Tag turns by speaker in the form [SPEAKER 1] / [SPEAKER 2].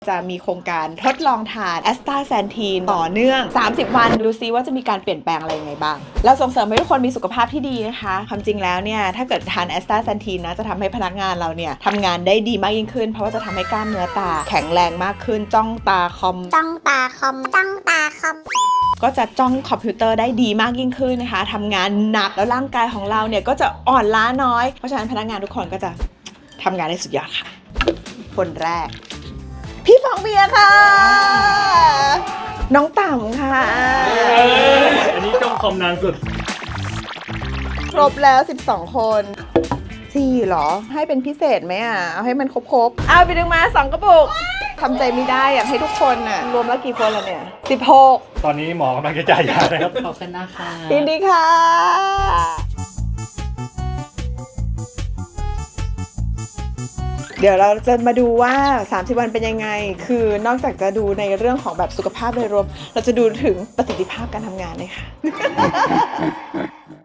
[SPEAKER 1] จะมีโครงการทดลองทานแอสตาแซนทีนต่อเนื่อง30 วันดูซิว่าจะมีการเปลี่ยนแปลงอะไรยังไงบ้างเราส่งเสริมให้ทุกคนมีสุขภาพที่ดีนะคะความจริงแล้วเนี่ยถ้าเกิดทานแอสตาแซนทีนนะจะทำให้พนักงานเราเนี่ยทำงานได้ดีมากยิ่งขึ้นเพราะว่าจะทำให้กล้ามเนื้อตาแข็งแรงมากขึ้นจ้องตาคอมก็จะจ้องคอมพิวเตอร์ได้ดีมากยิ่งขึ้นนะคะทำงานหนักแล้วร่างกายของเราเนี่ยก็จะอ่อนล้าน้อยเพราะฉะนั้นพนักงานทุกคนก็จะทำงานได้สุดยอดค่ะคนแรกพี่ฟองเบียร์ค่ะน้องต่ำค่ะ
[SPEAKER 2] อันนี้จ้องคอมนานสุด
[SPEAKER 1] ครบแล้ว12 คน4หรอให้เป็นพิเศษไหมอ่ะเอาให้มันครบเอาไปดึงมา2 กระปุกทำใจไม่ได้อยากให้ทุกคนน่ะรวมแล้วกี่คนแล้วเนี่ย16
[SPEAKER 2] ตอนนี้หมอกำลังจะจ่ายยานะครับ
[SPEAKER 3] ขอบคุณนะคะ
[SPEAKER 1] ยินดีค่ะเดี๋ยวเราจะมาดูว่า30 วันเป็นยังไงคือนอกจากจะดูในเรื่องของแบบสุขภาพโดยรวมเราจะดูถึงประสิทธิภาพการทำงานเลยค่ะ